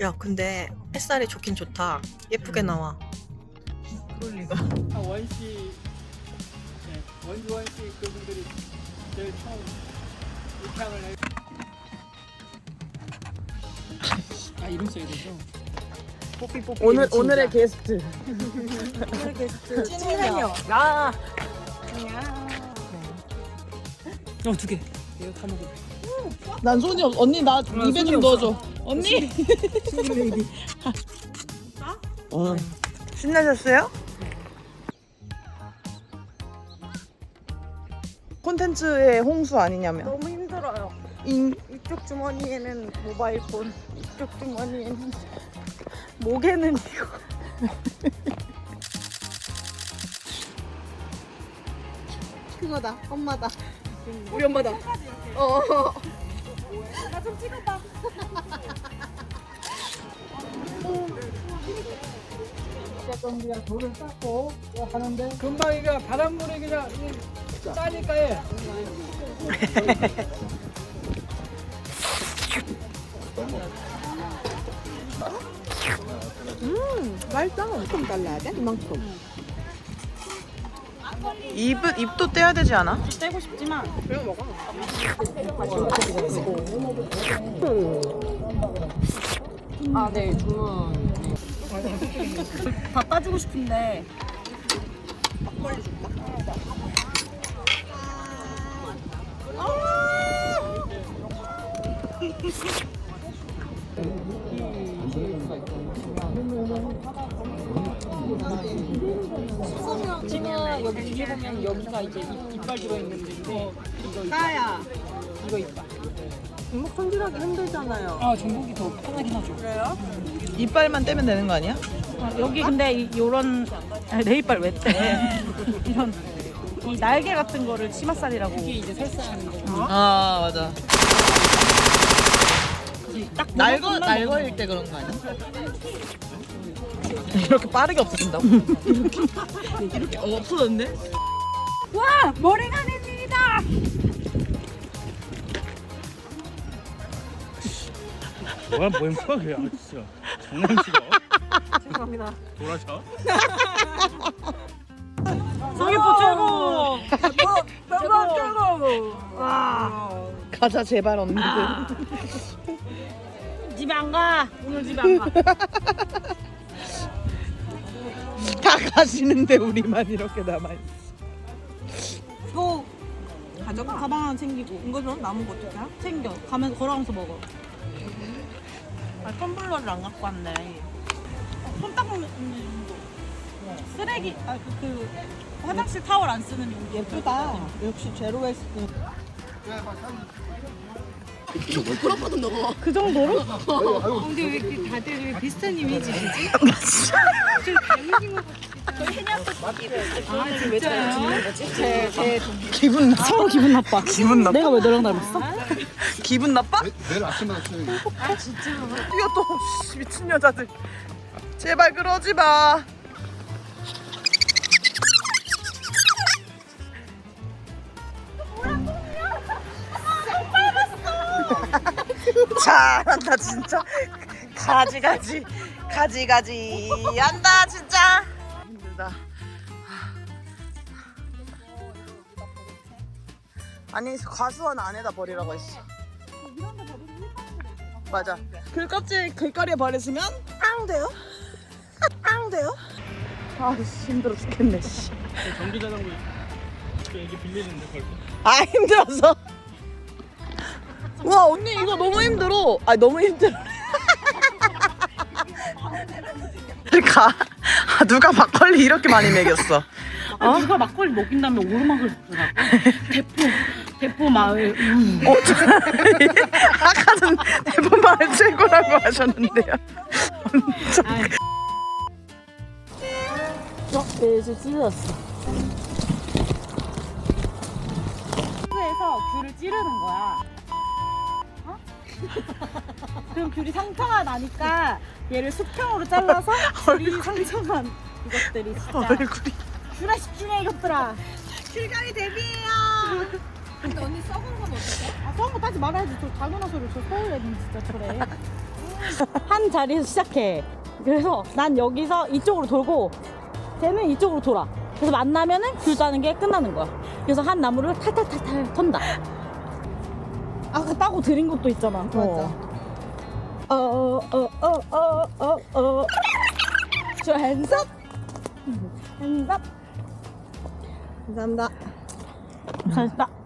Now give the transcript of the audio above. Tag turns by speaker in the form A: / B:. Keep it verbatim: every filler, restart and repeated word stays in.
A: 야 근데 햇살이 좋긴 좋다. 예쁘게 나와.
B: 그럴 리가.
C: 아, 원씨, 네, 원주원 씨 그분들이 제일 처음 입향을 해. 아 이름 써야 되죠?
B: 뽀삐 뽀삐.
D: 오늘 오늘의 게스트.
B: 오늘의 게스트
D: 찐이요.
B: 야.
C: 어 두 개. 이거 다 먹어.
D: 난 손이 없. 언니 나 입에 좀 넣어줘. 언니. 어. 신나셨어요? 콘텐츠의 홍수 아니냐면.
B: 너무 힘들어요.
D: 인.
B: 이쪽 주머니에는 모바일 폰, 이쪽 주머니에는 목에는 이거. 그거다. 엄마다. 우리 엄마다. 어. 나 좀 찍어봐.
C: 그냥 돌을 쌓고 하는데 금방 이게 바닷물이 그냥 짜니까 해.
B: 음, 맛있다. 좀 달라야 돼? 이만큼.
D: 입 입도 떼야 되지 않아?
B: 떼고 싶지만 그냥 먹어. 아, 네, 주문. 다 따주고 싶은데. 막걸리 줄까?
C: 지금 여기 뒤에 보면 여기가 이제 입, 이빨 들어있는데 이거 이거
B: 까야.
C: 이거 이빨.
B: 이목 손질하기 힘들잖아요.
C: 아 전복이 더 편하긴 하죠.
B: 그래요?
D: 이빨만 떼면 되는 거 아니야?
B: 여기 근데 이, 요런 아니, 내 이빨 왜 떼? 이런 이 날개 같은 거를 치맛살이라고.
C: 이게 이제 설사하는 거.
D: 아 맞아.
B: 딱
D: 날거 날거일 때 그런 거 아니야? 이렇게 빠르게 없어진다고? 이렇게 이렇게 어, 없어졌네?
B: 와 머리가 됩니다.
E: 뭐야 뭐야 뭐야 그래. 아 진짜 장난치고
B: 죄송합니다.
E: 돌아쳐.
B: 성기포 최고. 최고 최고. 와.
D: 가자 제발 언니들.
B: 집에 안 가. 오늘 집에 안 가.
D: 다 가시는데 우리만 이렇게 남아있어.
B: 이거 가져가. 가방 하나 챙기고. 이거는 남은 거 어떡해? 챙겨. 가면서 걸어가면서 먹어. 아, 텀블러를 안 갖고 왔네. 어, 손 닦는 용도. 쓰레기. 아, 그, 그 화장실 타월 안 쓰는 용도. 예쁘다. 역시 제로 웨스트. 그 정도로?
F: 근데 왜 이렇게 다들 왜 비슷한 이미지시지? 좀 다르신 것 같아요. 아 진짜요?
B: 제, 제
D: 기분 나.
B: 서로 기분 나빠.
D: 기분 나빠.
B: 내가 왜 너랑 닮았어?
D: 기분 나빠?
E: 내일 아침마다 쳐.
F: 아 진짜?
D: 이거 또 씨, 미친 여자들. 제발 그러지 마. 잘한다 진짜. 가지 가지 가지 가지 한다 진짜. 힘들다. 아니 과수원 안에다 버리라고 했어. 맞아. 글 껍질 글거리에 버렸으면 앙 돼요? 앙 돼요? 아 힘들어 죽겠네 씨.
E: 전기 자전거 여기 빌리는데 벌써.
D: 아 힘들어서. 와 언니 이거 너무 힘들어. 아 너무 힘들어. 가. 아, 누가 막걸리 이렇게 많이 먹였어?
B: 아, 누가 막걸리 먹인 다음에 오르막을 먹더라고. 대포, 대포 마을. 음.
D: 어, 저, 아까는 대본마을 최고라고 하셨는데요.
B: 어, 네, 이제 찢었어. 에서 귤을 찌르는 거야. 어? 그럼 귤이 상처가 나니까 얘를 수평으로 잘라서 귤이 상처만 이것들이 진짜.
D: 얼굴이.
B: 귤아 십주네 이것들아.
F: 귤가리 데뷔해요. 근데 언니 썩은 건 어떡해?
B: 아, 썩은 거 따지 말아야지. 저 당연한 소리. 저 서울 애는 진짜 저래. 한 자리에서 시작해. 그래서 난 여기서 이쪽으로 돌고 쟤는 이쪽으로 돌아. 그래서 만나면은 귤 따는 게 끝나는 거야. 그래서 한 나무를 탈탈탈탈 턴다. 아까 따고 드린 것도 있잖아. 맞아. 어어어어어어 저 핸섭 핸섭 감사합니다. 잘했다.